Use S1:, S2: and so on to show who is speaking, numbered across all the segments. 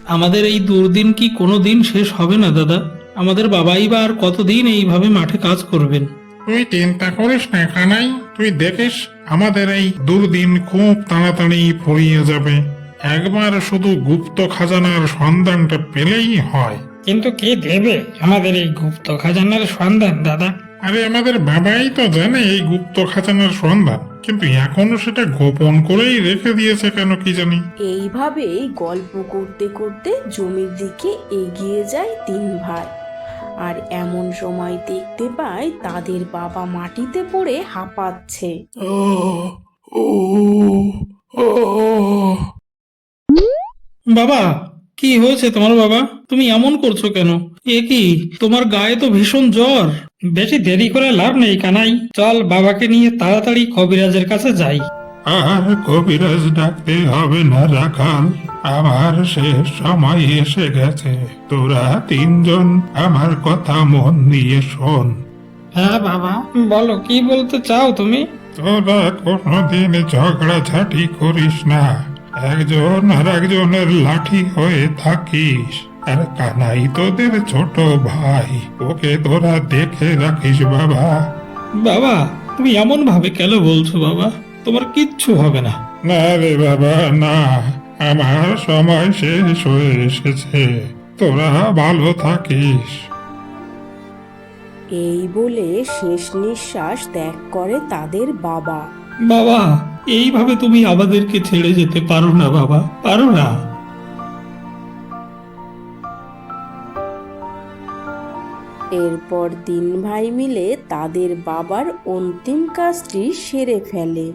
S1: আমাদের এই দুর্দিন কি কোনো দিন শেষ হবে না দাদা? আমাদের বাবাই বা আর কতদিন এইভাবে মাঠে কাজ করবেন?
S2: তুই চিন্তা করিস না কানাই, তুই দেখিস আমাদের এই দুর্দিন খুব তাড়াতাড়ি ফুরিয়ে যাবে। একবার শুধু গুপ্ত খাজানার সন্ধানটা পেলেই হয়।
S3: কিন্তু কে দেবে আমাদের এই গুপ্ত খাজানার সন্ধান দাদা?
S2: আরে আমাদের বাবাই তো জানে এই গুপ্ত খাজানার সন্ধান, কিন্তু এখনো সেটা গোপন করেই রেখে দিয়েছে কেন কি জানি।
S4: এইভাবেই গল্প করতে করতে জমির দিকে এগিয়ে যায় তিন ভাই। আর এমন সময় দেখতে পায় তাদের বাবা মাটিতে পড়ে হাঁপাচ্ছে।
S1: বাবা, কি হয়েছে তোমার বাবা? তুমি এমন করছো কেন? এ কি, তোমার গায়ে তো ভীষণ জ্বর।
S3: বেশি দেরি করে লাভ নেই কানাই, চল বাবাকে নিয়ে তাড়াতাড়ি কবিরাজের কাছে যাই।
S2: আর কবিরাজ ডাকতে হবে না রাখাল, আমার শেষ সময় এসে গেছে। তোরা তিনজন আমার কথা মন দিয়ে শোন।
S3: হ্যাঁ বাবা, বলো কি বলতে চাও তুমি?
S2: তোরা কোনোদিন ঝগড়াঝাটি করিস না, একজন আর একজনের লাঠি হয়ে থাকিস। আর কানাই তোদের ছোট ভাই, ওকে তোরা দেখে রাখিস বাবা।
S1: বাবা, তুমি এমন ভাবে কেন বলছো বাবা? তোমার কিচ্ছু হবে না।
S2: না রে বাবা না, আমার সময় শেষ হয়ে এসেছে, তোরা ভালো থাকিস।
S4: এই বলে শেষ নিঃশ্বাস ত্যাগ করে তাদের বাবা।
S1: বাবা, এইভাবে তুমি আমাদেরকে ছেড়ে যেতে পারো না বাবা, পারো না।
S4: এরপর তিন ভাই মিলে তাদের বাবার অন্তিম কাজটি সেরে ফেলে।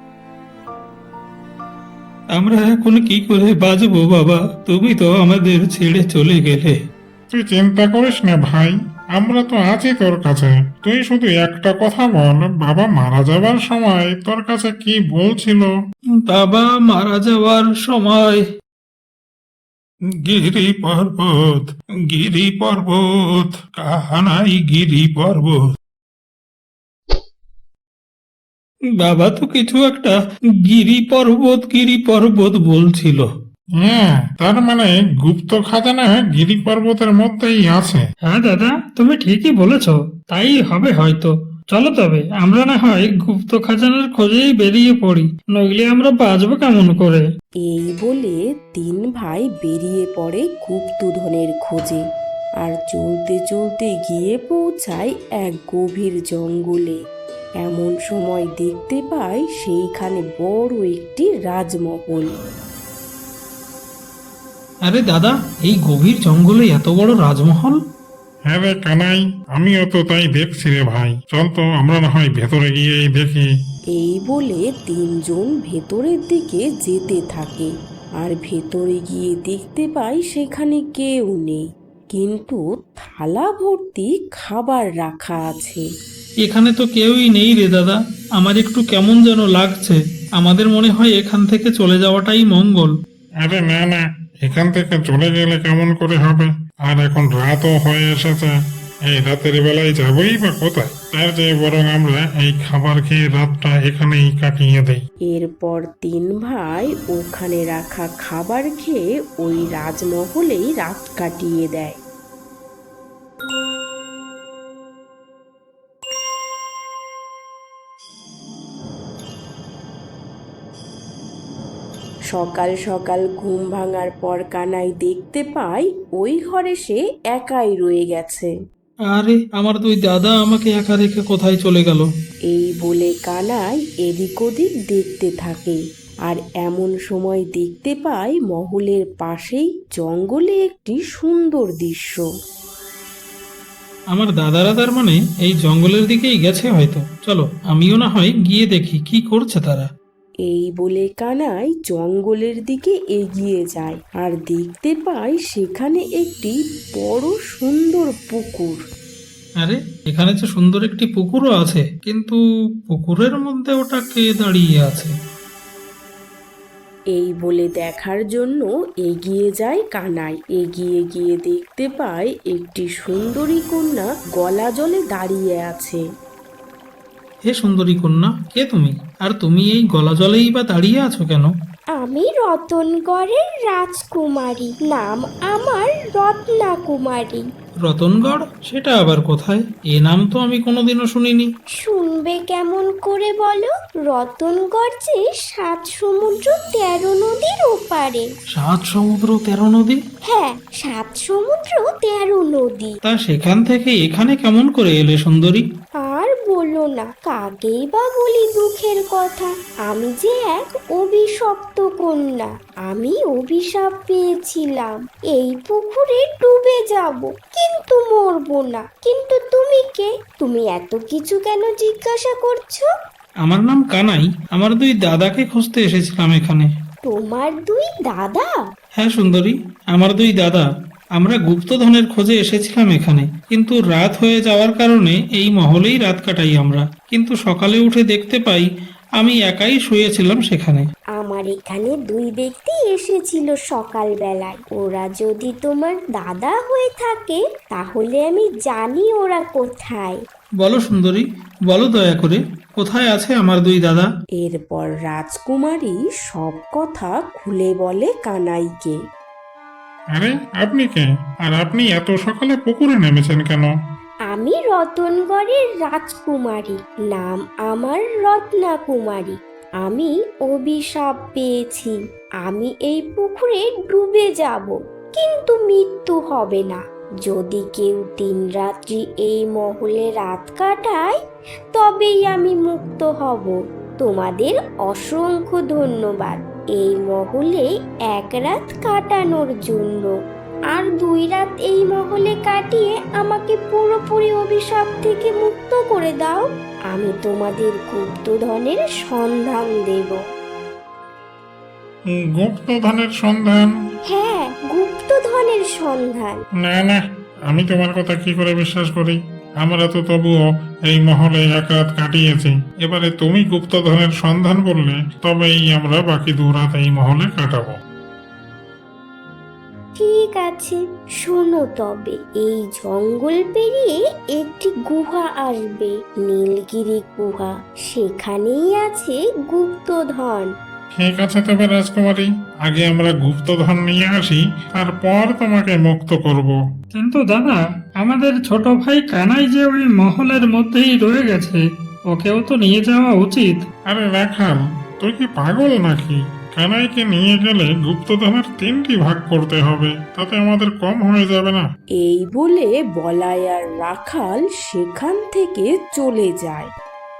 S1: আমরা এখন কি করে বাঁচবো বাবা? তুমি তো আমাদের ছেড়ে চলে গেলে।
S2: তুই চিন্তা করিস না ভাই, আমরা তো আছি তোর কাছে। তুই শুধু একটা কথা বল, বাবা মারা যাবার সময় তোর কাছে কি বলছিল?
S1: বাবা মারা যাওয়ার সময়
S2: গিরি পর্বত, গিরি পর্বত, কাহানাই গিরি পর্বত।
S1: বাবা তো কিছু একটা গিরি পর্বত বলছিল।
S2: হ্যাঁ, তার মানে গুপ্ত খাজানা গিরি পর্বতের মধ্যেই আছে।
S3: হ্যাঁ দাদা, তুমি ঠিকই বলেছ, তাই হবে হয়তো। চলো তবে আমরা না হয় গুপ্ত খাজানার খোঁজেই বেরিয়ে পড়ি, নইলে আমরা বাঁচবো কেমন করে?
S4: এই বলে তিন ভাই বেরিয়ে পড়ে গুপ্তধনের খোঁজে। আর চলতে চলতে গিয়ে পৌঁছায় এক গভীর জঙ্গলে। এমন সময় দেখতে পায় সেইখানে বড় একটি রাজমহল।
S1: আরে দাদা, এই গভীর জঙ্গলে এত বড় রাজমহল?
S2: হ্যাঁ রে কানাই, আমিও তো তাই দেখছি রে ভাই। চল তো আমরা না হয় ভেতরে গিয়েই দেখি।
S4: এই বলে তিনজন ভেতরের দিকে যেতে থাকে। আর ভেতরে গিয়ে দেখতে পায় সেখানে কেউ নেই, কিন্তু থালা ভর্তি খাবার রাখা আছে।
S1: এখানে তো কেউই নেই রে দাদা, আমার একটু কেমন যেন লাগছে। আমাদের মনে হয় এখান থেকে চলে যাওয়াটাই মঙ্গল।
S2: আরে না না, এখান থেকে চলে গেলে কেমন করে হবে? আর এখন রাতও হয়ে এসেছে, এই রাতের বেলায় যাবই বা কোথায়? তার চেয়ে বরং আমরা এই খাবার খেয়ে রাতটা এখানেই কাটিয়ে দেই।
S4: এরপর তিন ভাই ওখানে রাখা খাবার খেয়ে ওই রাজমহলেই রাত কাটিয়ে দেয়। সকাল সকাল ঘুম ভাঙার পর কানাই দেখতে পায় ওই ঘরে সে একাই রয়ে গেছে।
S1: আরে আমার দুই দাদা আমাকে একা রেখে কোথায় চলে গেল?
S4: এই বলে কানাই এদিক ওদিক দেখতে থাকে। আর এমন সময় দেখতে পায় মহলের পাশেই জঙ্গলে একটি সুন্দর দৃশ্য।
S1: আমার দাদারা তার মানে এই জঙ্গলের দিকেই গেছে হয়তো। চলো আমিও না হয় গিয়ে দেখি কি করছে তারা।
S4: এই বলে কানাই জঙ্গলের দিকে এগিয়ে যায় আর দেখতে পায় সেখানে একটি বড় সুন্দর পুকুর।
S1: আরে, এখানে যে সুন্দর একটি পুকুরও আছে, কিন্তু পুকুরের মধ্যে ওটা কে দাঁড়িয়ে আছে?
S4: এই বলে দেখার জন্য এগিয়ে যায় কানাই। এগিয়ে গিয়ে দেখতে পায় একটি সুন্দরী কন্যা গলা জলে দাঁড়িয়ে আছে।
S1: হে সুন্দরী কন্যা, কে তুমি? আর তুমি এই গলা জলেই বা দাঁড়িয়ে আছো কেন?
S5: আমি রতনগড়ের রাজকুমারী, নাম আমার রত্না কুমারী।
S1: রতনগড়? সেটা আবার কোথায়? এ নাম তো আমি কোনোদিনও শুনিনি।
S5: শুনবে কেমন করে বলো? রতনগড় যে 7 সমুদ্র 13 নদীর ওপারে।
S1: 7 সমুদ্র 13 নদী?
S5: হ্যাঁ, 7 সমুদ্র 13 নদী।
S1: তা সেখান থেকে এখানে কেমন করে এলে সুন্দরী?
S5: আর বলো না, কাকেই বা বলি দুঃখের কথা। আমি যে এক অভিশপ্ত কন্যা। আমি অভিশাপ পেয়েছিলাম এই পুকুরে ডুবে যাব, কিন্তু মরবো না। কিন্তু তুমি কে? তুমি এত কিছু কেন জিজ্ঞাসা করছো?
S1: আমার নাম কানাই। আমার 2 দাদাকে খুঁজতে এসেছিলাম এখানে।
S5: তোমার 2 দাদা?
S1: হ্যাঁ সুন্দরী, আমার 2 দাদা। আমরা গুপ্তধনের খোঁজে এসেছিলাম এখানে, কিন্তু রাত হয়ে যাওয়ার কারণে এই মহলেই রাত কাটাই আমরা। কিন্তু সকালে উঠে দেখতে পাই আমি একাই শুয়েছিলাম সেখানে।
S5: আমার এখানে 2 ব্যক্তি এসেছিল সকালবেলায়। ওরা যদি তোমার দাদা হয়ে থাকে তাহলে আমি জানি ওরা কোথায়।
S1: বলো সুন্দরী, বলো দয়া করে, কোথায় আছে আমার 2 দাদা?
S4: এরপর রাজকুমারী সব কথা খুলে বলে কানাইকে।
S2: আরে আপনি কে? আর আপনি এত সকালে পুকুরে নেমেছেন কেন?
S5: আমি রতনগড়ের রাজকুমারী, নাম আমার রত্না কুমারী। আমি অভিশাপ পেয়েছি। আমি এই পুকুরে ডুবে যাব, কিন্তু মৃত্যু হবে না। যদি কেউ 3 রাত্রি এই মহলে রাত কাটায় তবেই আমি মুক্ত হব। তোমাদের অসংখ্য ধন্যবাদ এই মহলে 1 রাত কাটানোর জন্য। আর 2 রাত এই মহলে কাটিয়ে আমাকে পুরোপুরি অভিশাপ থেকে মুক্ত করে দাও। আমি তোমাদের গুপ্তধনের সন্ধান দেব।
S2: গুপ্তধনের সন্ধান?
S5: হ্যাঁ, গুপ্তধনের সন্ধান।
S2: না না, আমি তোমার কথা কি করে বিশ্বাস করি? আমরা তো তবুও এই মহলে 1 রাত কাটিয়েছি। এবারে তুমি গুপ্তধনের সন্ধান বললে তবেই আমরা বাকি 2 রাত এই মহলে কাটাবো।
S5: ঠিক আছে, শোনো তবে। এই জঙ্গল পেরিয়ে একটি গুহা আসবে, নীলগিরি গুহা। সেখানেই আছে গুপ্তধন।
S2: ঠিক আছে তবে রাজকুমারী, আগে আমরা গুপ্তধন নিয়ে আসি, তারপর তোমাকে মুক্ত করব।
S3: কিন্তু দাদা, আমাদের ছোট ভাই কানাই যে ওই মহলের মধ্যেই রয়ে গেছে, ওকেও তো নিয়ে যাওয়া উচিত।
S2: আরে রাখাল, তুই কি পাগল নাকি? কানাইকে নিয়ে গেলে গুপ্তধনের 3টি ভাগ করতে হবে, তাতে আমাদের কম হয়ে যাবে না?
S4: এই বলে বলাই আর রাখাল সেখান থেকে চলে যায়।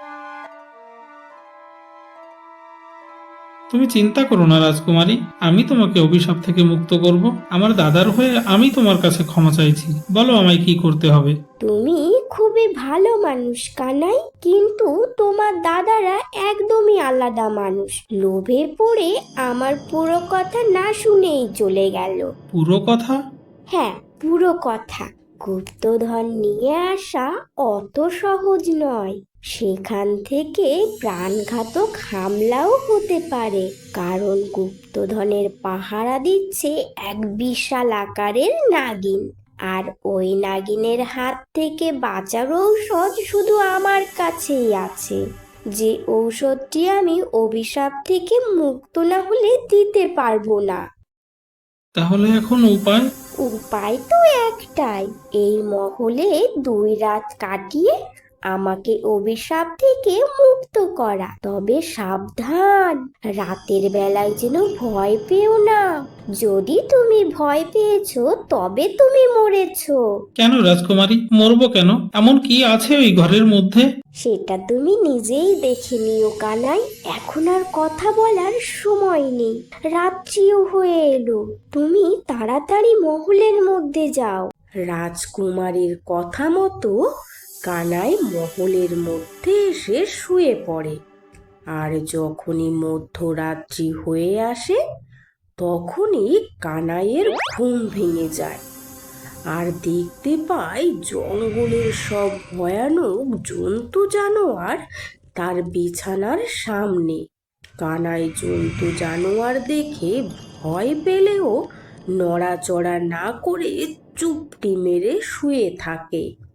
S1: তুমি চিন্তা করো না রাজকুমারী, আমি তোমাকে অভিশাপ থেকে মুক্ত করব। আমার দাদার হয়ে আমি তোমার কাছে ক্ষমা চাইছি। বলো আমায় কি করতে হবে?
S5: তুমি খুবই ভালো মানুষ কানাই, কিন্তু তোমার দাদারা একদমই আলাদা মানুষ। লোভে পড়ে আমার পুরো কথা না শুনেই চলে গেল।
S1: পুরো কথা?
S5: হ্যাঁ, পুরো কথা। গুপ্তধন নিয়ে আসা অত সহজ নয়। সেখান থেকে প্রাণঘাতক হামলাও হতে পারে, কারণ গুপ্তধনের পাহারা দিচ্ছে এক বিশাল আকারের নাগিন। আর ওই নাগিনের হাত থেকে বাঁচার ঔষধ শুধু আমার কাছেই আছে, যে ঔষধটি আমি অভিশাপ থেকে মুক্ত না হলে দিতে পারবো না।
S1: তাহলে এখন উপায়?
S5: উপায় তো একটাই, এই মহলে 2 রাত কাটিয়ে আমাকে অভিশাপ থেকে মুক্ত করা। তবে সাবধান, রাতের বেলায় যেন ভয় পেও না। যদি তুমি ভয় পেয়েছো তবে তুমি মরেছো।
S1: কেন রাজকুমারী, মরবো কেন? এমন কি আছে ওই ঘরের মধ্যে?
S5: সেটা তুমি নিজেই দেখে নিও কানাই। এখন আর কথা বলার সময় নেই, রাত্রিও হয়ে এলো। তুমি তাড়াতাড়ি মহলের মধ্যে যাও।
S4: রাজকুমারীর কথা মতো কানাই মহলের মধ্যে এসে শুয়ে পড়ে। আর যখনই মধ্যরাত্রি হয়ে আসে তখনই কানাইয়ের ঘুম ভেঙে যায়, আর দেখতে পায় জঙ্গলের সব ভয়ানক জন্তু জানোয়ার তার বিছানার সামনে। কানাই জন্তু জানোয়ার দেখে ভয় পেলেও নড়াচড়া না করে চুপটি মেরে শুয়ে থাকে।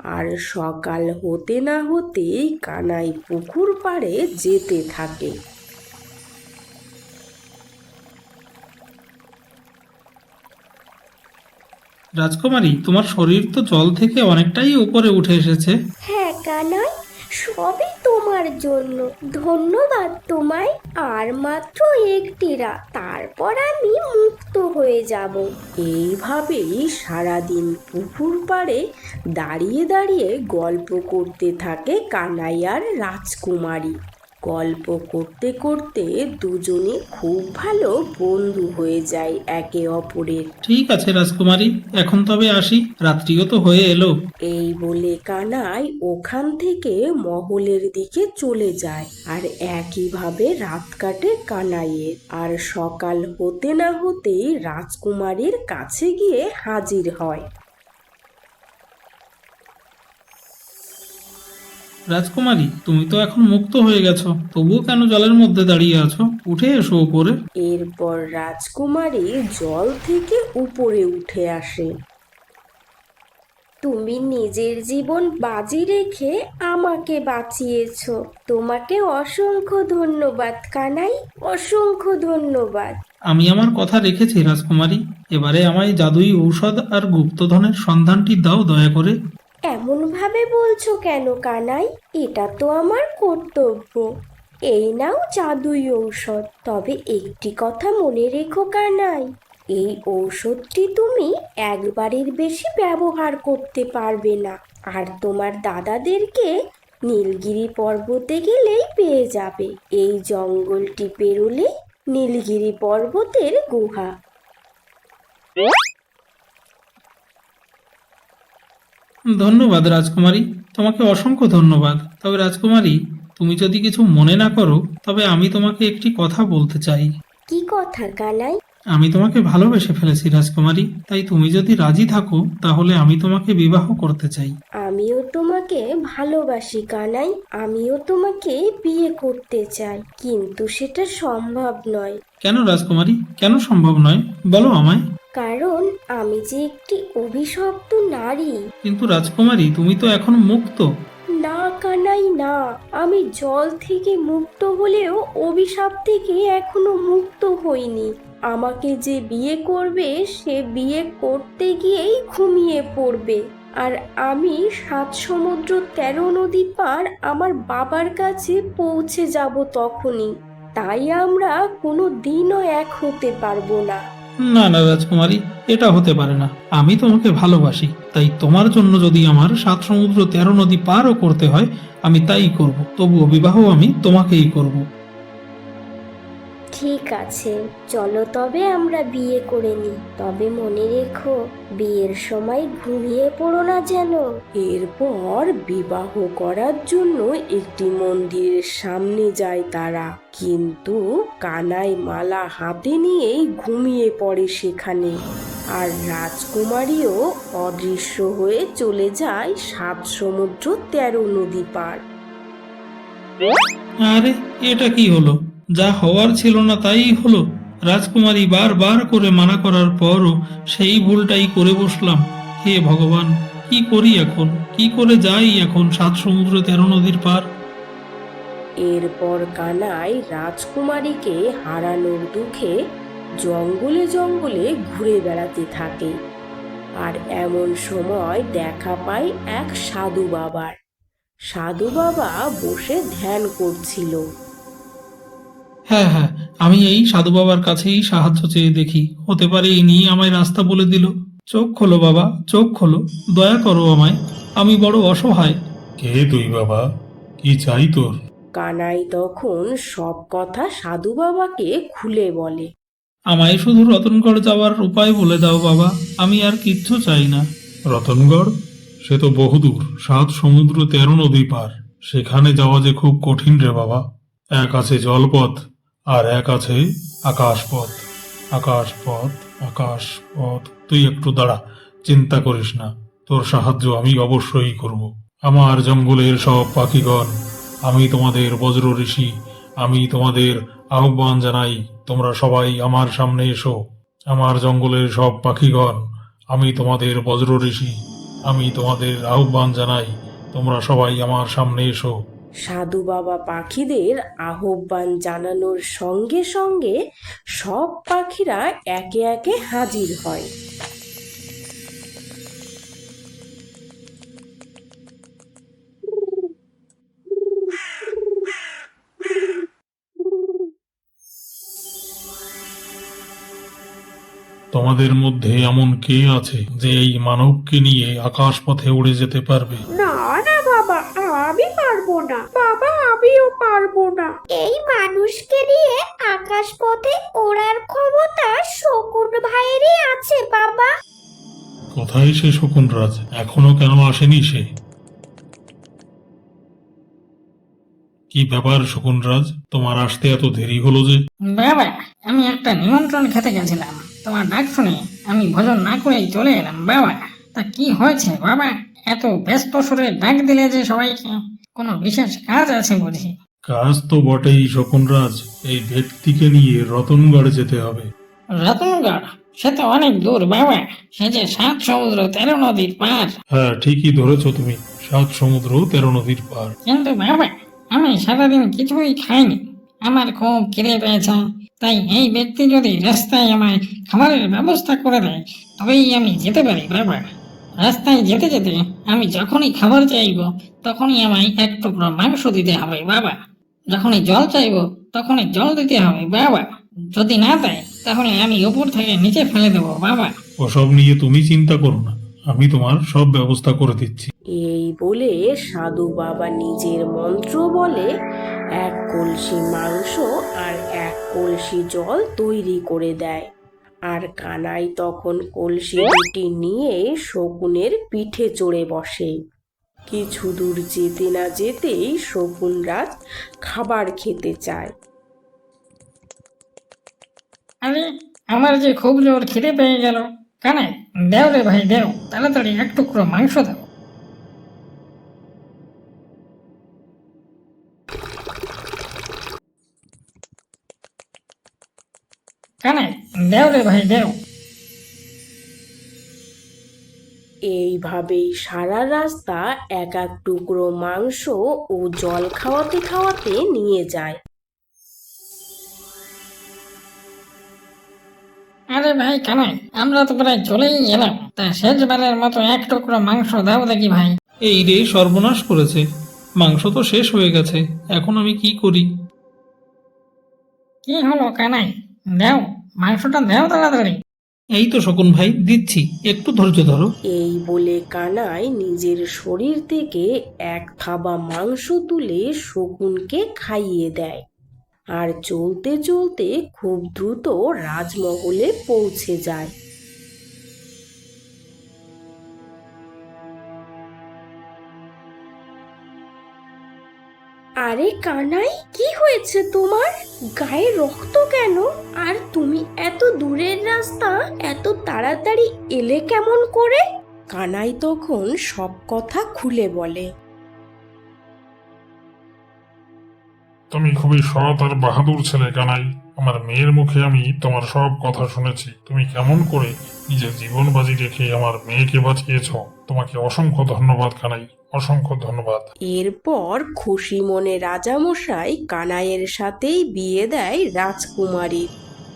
S4: আর সকাল হতে না হতেই কানাই পুকুর পাড়ে যেতে থাকে।
S1: রাজকুমারী, তোমার শরীর তো জল থেকে অনেকটাই উপরে উঠে এসেছে।
S5: হ্যাঁ কানাই, সবই তোমার জন্য। ধন্যবাদ তোমায়। আর মাত্র একটি রাত, তারপর আমি মুক্ত হয়ে যাব।
S4: এইভাবেই সারাদিন পুকুর পাড়ে দাঁড়িয়ে দাঁড়িয়ে গল্প করতে থাকে কানাই আর রাজকুমারী। গল্প করতে করতে দুজনে খুব ভালো বন্ধু হয়ে যায় একে অপরের।
S1: ঠিক আছে রাজকুমারী, এখন তবে আসি, রাত্রিও তো হয়ে এলো।
S4: এই বলে কানাই ওখান থেকে মহলের দিকে চলে যায়। আর একইভাবে রাত কাটে কানাইয়ের। আর সকাল হতে না হতেই রাজকুমারীর কাছে গিয়ে হাজির হয়।
S1: রাজকুমারী, তুমি তো এখন মুক্ত হয়ে গেছো, তবুও কেন জলের মধ্যে দাঁড়িয়ে আছো? উঠে এসো উপরে।
S4: এরপর রাজকুমারী জল থেকে উপরে উঠে আসে।
S5: তুমি নিজের জীবন বাজি রেখে আমাকে বাঁচিয়েছো। তোমাকে অসংখ্য ধন্যবাদ কানাই, অসংখ্য ধন্যবাদ।
S1: আমি আমার কথা রেখেছি রাজকুমারী, এবারে আমায় জাদুই ঔষধ আর গুপ্তধনের সন্ধানটি দাও দয়া করে।
S5: এমন ভাবে বলছো কেন কানাই? এটা তো আমার কর্তব্য। এই নাও জাদুই ঔষধ। তবে একটি কথা মনে রেখো কানাই, এই ঔষধটি তুমি একবারের বেশি ব্যবহার করতে পারবে না। আর তোমার দাদাদেরকে নীলগিরি পর্বতে গেলেই পেয়ে যাবে। এই জঙ্গলটি পেরোলে নীলগিরি পর্বতের গুহা।
S1: ধন্যবাদ রাজকুমারী, তোমাকে অসংখ্য ধন্যবাদ। তবে রাজকুমারী, তুমি যদি কিছু মনে না করো, তবে আমি তোমাকে একটি কথা বলতে চাই।
S5: কি কথা কানাই?
S1: আমি তোমাকে ভালোবেসে ফেলেছি রাজকুমারী, তাই তুমি যদি রাজি থাকো তাহলে আমি তোমাকে বিবাহ করতে চাই।
S5: আমিও তোমাকে ভালোবাসি কানাই। আমিও তোমাকে বিয়ে করতে চাই, কিন্তু সেটা সম্ভব নয়।
S1: কেন রাজকুমারী, কেন সম্ভব নয় বলো আমায়।
S5: কারণ আমি যে একটি অভিশপ্ত নারী।
S1: কিন্তু রাজকুমারী, তুমি তো এখন মুক্ত।
S5: না কানাই না, আমি জল থেকে মুক্ত হলেও অভিশাপ থেকে এখনো মুক্ত হইনি। আমাকে যে বিয়ে করবে সে বিয়ে করতে গিয়েই ঘুমিয়ে পড়বে। আর আমি 7 সমুদ্র 13 নদী পার আমার বাবার কাছে পৌঁছে যাব তখনই। তাই আমরা কোনো দিনও এক হতে পারবো না।
S1: না না রাজকুমারী, এটা হতে পারে না। আমি তোমাকে ভালোবাসি, তাই তোমার জন্য যদি আমার 7 সমুদ্র 13 নদী পারও করতে হয়, আমি তাই করব। তবুও বিবাহ আমি তোমাকেই করব।
S5: ঠিক আছে, চলো তবে আমরা বিয়ে করে নিই। তবে মনে রেখো, বিয়ের সময় ঘুমিয়ে পড়ো না যেন।
S4: এরপর বিবাহ করার জন্য একটি মন্দিরের সামনে যায় তারা। কিন্তু কানাই মালা হাতে নিয়েই ঘুমিয়ে পড়ে সেখানে। আর রাজকুমারীও অদৃশ্য হয়ে চলে যায় 7 সমুদ্র 13 নদী পার।
S1: আরে, এটা কি হলো? যা হওয়ার ছিল না তাই হলো। রাজকুমারী বারবার করে মানা করার পরও সেই ভুলটাই করে বসলাম। হে ভগবান, কি করি এখন? কি করে যাই এখন 7 সমুদ্র 13 নদীর পার?
S4: এরপর কানাই রাজকুমারীকে হারানোর দুঃখে জঙ্গলে জঙ্গলে ঘুরে বেড়াতে থাকে। আর এমন সময় দেখা পায় এক সাধু বাবার। সাধু বাবা বসে ধ্যান করছিল।
S1: হ্যাঁ হ্যাঁ, আমি এই সাধু বাবার কাছেই সাহায্য চেয়ে দেখি, হতে পারে ইনি আমায় রাস্তা বলে দিল। চোখ খোলো বাবা, চোখ খোলো, দয়া করো আমায়, আমি বড় অসহায়।
S2: কে তুই বাবা? কি চাই তোর?
S4: কানাই তখন সব কথা সাধু বাবাকে খুলে বলে।
S1: আমায় শুধু রতনগড় যাওয়ার উপায় বলে দাও বাবা, আমি আর কিচ্ছু চাই না।
S2: রতনগড়? সে তো বহুদূর, 7 সমুদ্র 13 নদী পার। সেখানে যাওয়া যে খুব কঠিন রে বাবা। এক আছে জলপথ, আর এক আছে আকাশপথ। আকাশপথ, আকাশপথ। তুই একটু দাঁড়া, চিন্তা করিস না, তোর সাহায্য আমি অবশ্যই করব। আমার জঙ্গলের সব পাখিগণ, আমি তোমাদের বজ্র ঋষি, আমি তোমাদের আহ্বান জানাই, তোমরা সবাই আমার সামনে এসো। আমার জঙ্গলের সব পাখিগণ, আমি তোমাদের বজ্র ঋষি, আমি তোমাদের আহ্বান জানাই, তোমরা সবাই আমার সামনে এসো।
S4: সাধু বাবা পাখিদের আহ্বান জানানোর সঙ্গে সঙ্গে সব পাখিরা একে একে হাজির হয়।
S2: তোমাদের মধ্যে এমন কে আছে যে এই মানবকে নিয়ে আকাশ পথে উড়ে যেতে পারবে?
S5: না না বাবা, আমি পারবো না বাবা, আমিও পারবো না। এই মানুষকে নিয়ে আকাশ পথে ওড়ার ক্ষমতা শকুন ভাইয়েরই আছে বাবা।
S2: কোথায় সে শকুনরাজ? এখনো কেন আসেনি সে? কি ব্যাপার শকুনরাজ, তোমার আসতে এত দেরি হলো যে?
S3: বাবা, আমি একটা নিমন্ত্রণ খেতে গেছিলাম, তোমার ডাক শুনে আমি ভোজন না করেই চলে এলাম বাবা। তা কি হয়েছে বাবা, এত ব্যস্ত সুরে ডাক দিলে যে সবাইকে? কোনো বিশেষ কাজ আছে বুঝি?
S2: কাজ তো বটেই শকুনরাজ, এই ব্যক্তিকে নিয়ে রতনগড় যেতে হবে।
S3: রতনগড়? সে তো অনেক দূর বাবা, সে যে 7 সমুদ্র 13 নদীর পার।
S2: হ্যাঁ, ঠিকই ধরেছ তুমি, 7 সমুদ্র 13 নদীর পার।
S3: কিন্তু বাবা, আমি সারাদিন কিছুই খাইনি, আমার খুব খিদে পেয়েছে, তাই এই ব্যক্তি যদি রাস্তায় আমায় খাবারের ব্যবস্থা করে দেয় তবেই আমি যেতে পারি বাবা। রাস্তায় যেতে যেতে আমি যখনই খাবার চাইব তখনই আমায় এক টুকরো মাংস দিতে হবে বাবা, যখনই জল চাইব তখনই জল দিতে হবে বাবা, যদি না দেয় তাহলে আমি উপর থেকে নিচে ফেলে দেবো বাবা।
S2: ওসব নিয়ে তুমি চিন্তা করো না, আমি তোমার সব ব্যবস্থা করে দিচ্ছি।
S4: এই বলে সাধু বাবা নিজের মন্ত্র বলে এক কলসি মাংস আর এক কলসি জল তৈরি করে দেয়। আর কানাই তখন কলসি দুটি নিয়ে শকুনের পিঠে চড়ে বসে। কিছু দূর যেতে না যেতেই শকুনরাজ খাবার খেতে চায়।
S3: আরে, আমার যে খুব জোর খিদে পেয়ে গেল, কানে দেও রে ভাই দেও, তাড়াতাড়ি এক টুকরো মাংস দাও। কানে দেও রে ভাই দেও।
S4: এইভাবেই সারা রাস্তা এক এক টুকরো মাংস ও জল খাওয়াতে খাওয়াতে নিয়ে যায়।
S3: আরে ভাই কানাই, আমরা তো প্রায় চলেই এলাম, তা শেষবারের মতো এক টুকরো মাংস দাও দেখি ভাই।
S1: এই রে, সর্বনাশ করেছে, মাংস তো শেষ হয়ে গেছে, এখন আমি কি করি?
S3: কি হলো কানাই, দেও মাংসটা দেও তাড়াতাড়ি।
S1: এই তো শকুন ভাই, দিচ্ছি, একটু ধৈর্য ধরো।
S4: এই বলে কানাই নিজের শরীর থেকে এক থাবা মাংস তুলে শকুনকে খাইয়ে দেয়। আর চলতে চলতে খুব দ্রুত রাজমহলে পৌঁছে যায়। আরে কানাই, কি হয়েছে তোমার? গায়ে রক্ত কেন? আর তুমি এত দূরের রাস্তা এত তাড়াতাড়ি এলে কেমন করে? কানাই তখন সব কথা খুলে বলে।
S2: তুমি খুবই সৎ আর বাহাদুর ছেলে কানাই। আমার মেয়ের মুখে আমি তোমার সব কথা শুনেছি। তুমি কেমন করে নিজের জীবন বাজি রেখে আমার মেয়েকে বাঁচিয়েছ। তোমাকে অসংখ্য ধন্যবাদ কানাই, অসংখ্য ধন্যবাদ।
S4: এরপর খুশি মনে রাজামশাই কানাইয়ের সাথেই বিয়ে দেয় রাজকুমারীর।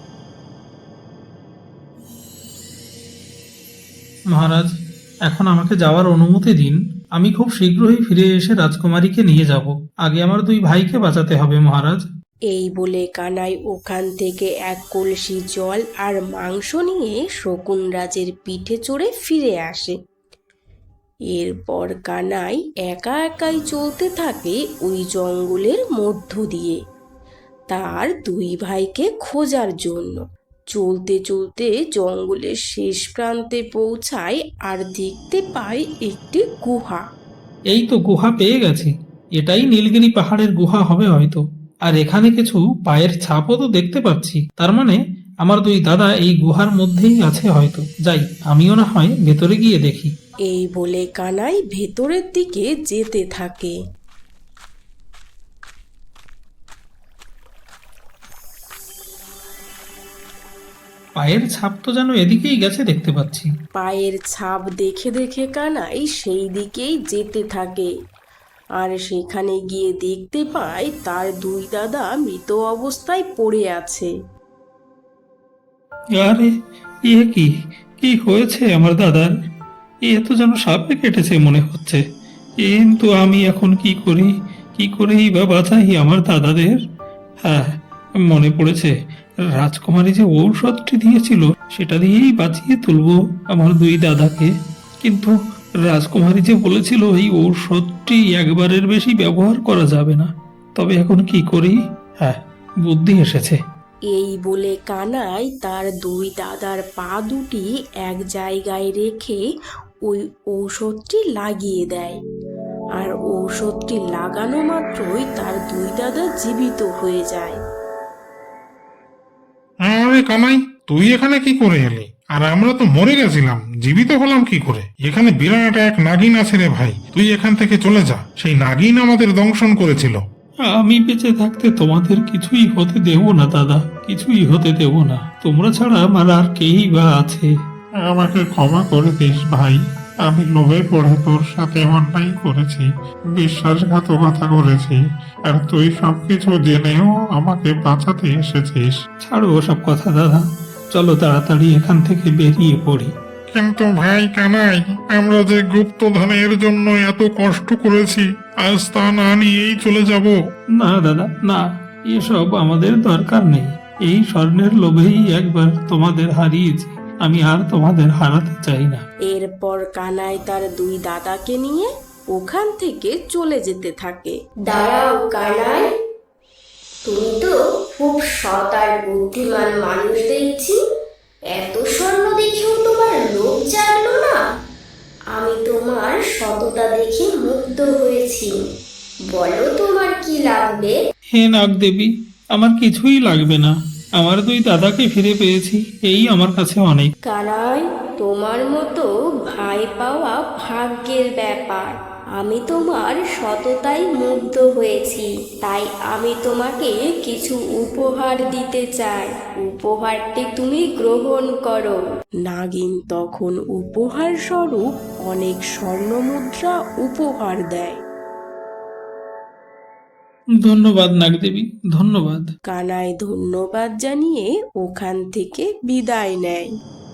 S1: মহারাজ, এখন আমাকে যাওয়ার অনুমতি দিন, আমি খুব শীঘ্রই ফিরে এসে রাজকুমারীকে নিয়ে যাব। আগে আমার 2 ভাইকে বাঁচাতে হবে মহারাজ।
S4: এই বলে কানাই ওখান থেকে এক কলসি জল আর মাংস নিয়ে শকুনরাজের পিঠে চড়ে ফিরে আসে। এরপর কানাই একা একাই চলতে থাকে ওই জঙ্গলের মধ্য দিয়ে তার 2 ভাইকে খোঁজার জন্য। চলতে চলতে জঙ্গলের শেষ প্রান্তে পৌঁছায় আর দেখতে পায় একটি গুহা।
S1: এই তো গুহা পেয়ে গেছি, এটাই নীলগিরি পাহাড়ের গুহা হবে হয়তো। আর এখানে কিছু পায়ের ছাপও তো দেখতে পাচ্ছি, তার মানে আমার 2 দাদা এই গুহার মধ্যেই আছে হয়তো। যাই, আমিও না হয় ভেতরে গিয়ে দেখি।
S4: এই বলে কানাই ভেতরের দিকে যেতে থাকে।
S1: পায়ের ছাপ তো যেন এদিকেই গেছে দেখতে পাচ্ছি।
S4: পায়ের ছাপ দেখে দেখে কানাই সেই দিকেই যেতে থাকে, আর সেখানে গিয়ে দেখতে পায় তার দুই দাদা মৃত অবস্থায় পড়ে আছে।
S1: আরে এ কি, কি হয়েছে আমার দাদার? এ তো যেন সাপে কেটেছে মনে হচ্ছে। কিন্তু আমি এখন কি করি, কি করেই বা বাঁচাই আমার দাদাদের? হ্যাঁ, মনে পড়েছে, রাজকুমারী যে ঔষধটি দিয়েছিল সেটা দিয়েই বাঁচিয়ে তুলবো আমার দুই দাদাকে। কিন্তু রাজকুমারী যে বলেছিল এই ঔষধটি একবারের বেশি ব্যবহার করা যাবে না। তবে এখন কি করি? হ্যাঁ, বুদ্ধি এসেছে।
S4: এই বলে কানাই তার দুই দাদার পা দুটি এক জায়গায় রেখে ওই ঔষধটি লাগিয়ে দেয়, আর ঔষধটি লাগানো মাত্রই তার দুই দাদা জীবিত হয়ে যায়।
S2: আরে কানাই, তুই এখানে কি করে এলি? আর আমরা তো মরে গেছিলাম, জীবিত হলাম কি করে? এখানে বিরাট এক নাগিন আছে রে ভাই, তুই এখান থেকে চলে যা। সেই নাগিন আমাদের দংশন করেছিল।
S1: আমি বেঁচে থাকতে তোমাদের কিছুই হতে দেব না দাদা, কিছুই হতে দেব না। তোমরা ছাড়া আমার আর কেই বা আছে?
S2: আমাকে ক্ষমা করে দিস ভাই, আমি লোভে পড়ে তোর সাথে অন্যায় করেছি, বিশ্বাসঘাতকতা করেছি, আর তুই সবকিছু জেনেও আমাকে বাঁচাতে এসেছিস।
S1: ছাড়ো ওসব কথা দাদা, চলো তাড়াতাড়ি এখান থেকে বেরিয়ে পড়ি।
S2: কিন্তু ভাই কানাই, আমরা যে গুপ্তধনের জন্য এত কষ্ট করেছি, আজ তা না নিয়েই চলে যাব?
S1: না দাদা, না, এসব আমাদের দরকার নেই। এই স্বর্ণের লোভেই একবার তোমাদের হারিয়েছি, আমি আর তোমাদের হারাতে চাই না।
S4: এরপর কানাই তার দুই দাদাকে নিয়ে ওখান থেকে চলে যেতে থাকে।
S5: দাঁড়াও কানাই, তুমি তো খুব সৎ আর বুদ্ধিমান মানুষ দেখছি। এত স্বর্ণ দেখেও তোমার লোভ জাগলো না? আমি তোমার সততা দেখে মুগ্ধ হয়েছি। বলো তোমার কি লাগবে?
S1: হে নাগ দেবী, আমার কিছুই লাগবে না। আমার দুই দাদাকে ফিরে পেয়েছি, এই আমার কাছে অনেক।
S5: কানাই, তোমার মতো ভাই পাওয়া ভাগ্যের ব্যাপার। আমি তোমার সততায় মুগ্ধ হয়েছি, তাই আমি তোমাকে কিছু উপহার দিতে চাই। উপহারটি তুমি গ্রহণ করো।
S4: নাগিন তখন উপহার স্বরূপ অনেক স্বর্ণ মুদ্রা উপহার দেয়।
S1: ধন্যবাদ নাগদেবী, ধন্যবাদ।
S4: কানাই ধন্যবাদ জানিয়ে ওখান থেকে বিদায় নেয়।